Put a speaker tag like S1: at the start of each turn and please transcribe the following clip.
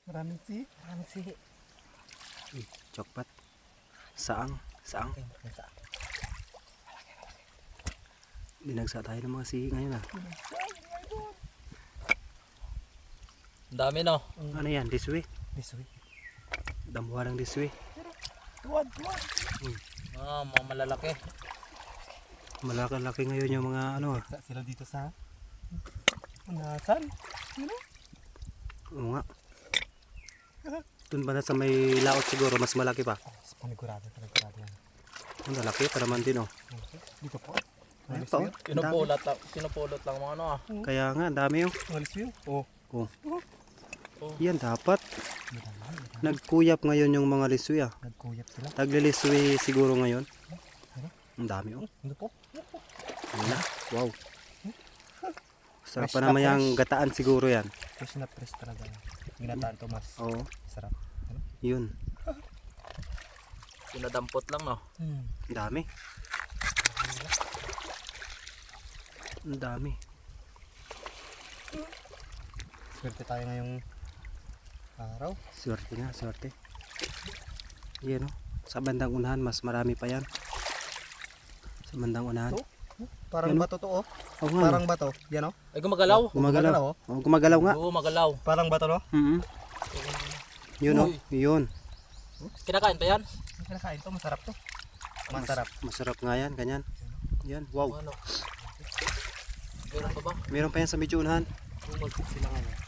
S1: Maraming sihi.
S2: Maraming sihi.
S3: Chokpat. Saang. Saang. Dinagsa tayo ng mga sihi ngayon ah.
S2: Ang dami no.
S3: Ano yan? Diswi?
S1: Diswi.
S3: Damuhan ng diswi.
S1: Tuwad.
S2: Mga malalaki.
S3: Malaki-laki ngayon yung mga ano ah.
S1: Sila dito sa Unasan.
S3: Oo nga. Doon ba na sa may laot siguro mas malaki pa?
S1: Panigurado yan.
S3: Ang lalaki pa naman din oh.
S1: Dito po.
S3: Ano pa oh? Ang dami.
S2: Pinupulot lang mga ano ah.
S3: Kaya nga, ang dami oh.
S1: Walis yun. Oh.
S3: Yan dapat. Nagkuyap ngayon yung mga liswi ah.
S1: Nagkuyap sila.
S3: Tagliliswi siguro ngayon. Ang dami oh.
S1: Ano po?
S3: Wala. Wow. Sarap
S1: Fresh
S3: pa
S1: na
S3: naman yung
S1: fresh.
S3: gataan siguro yan.
S1: Fresh na fresh talaga. Ginataan to mas.
S3: Oo.
S1: Sarap.
S3: Yun.
S2: Sinadampot lang no.
S3: Ang dami. Ang dami.
S1: Swerte tayo ngayong araw.
S3: Swerte nga, swerte. Yan oh. Sa bandang unahan mas marami pa yan. Sa bandang unahan.
S1: So, parang
S3: Yan,
S1: bato to oh.
S3: Oo nga.
S1: Parang bato. Yan oh.
S2: Ay gumagalaw.
S3: Gumagalaw.
S1: Gumagalaw, oh.
S3: Oh, gumagalaw nga.
S2: Oo, magalaw.
S1: Parang bato no?
S3: Yun oh.
S2: Uy.
S3: Yun.
S2: Kinakain pa yan?
S1: Kinakain to. Masarap to. Masarap.
S3: Masarap nga yan. Ganyan. Yan. Wow.
S2: Ano? Meron pa ba?
S3: Meron pa yan sa medyo unahan.
S1: Sila ngayon.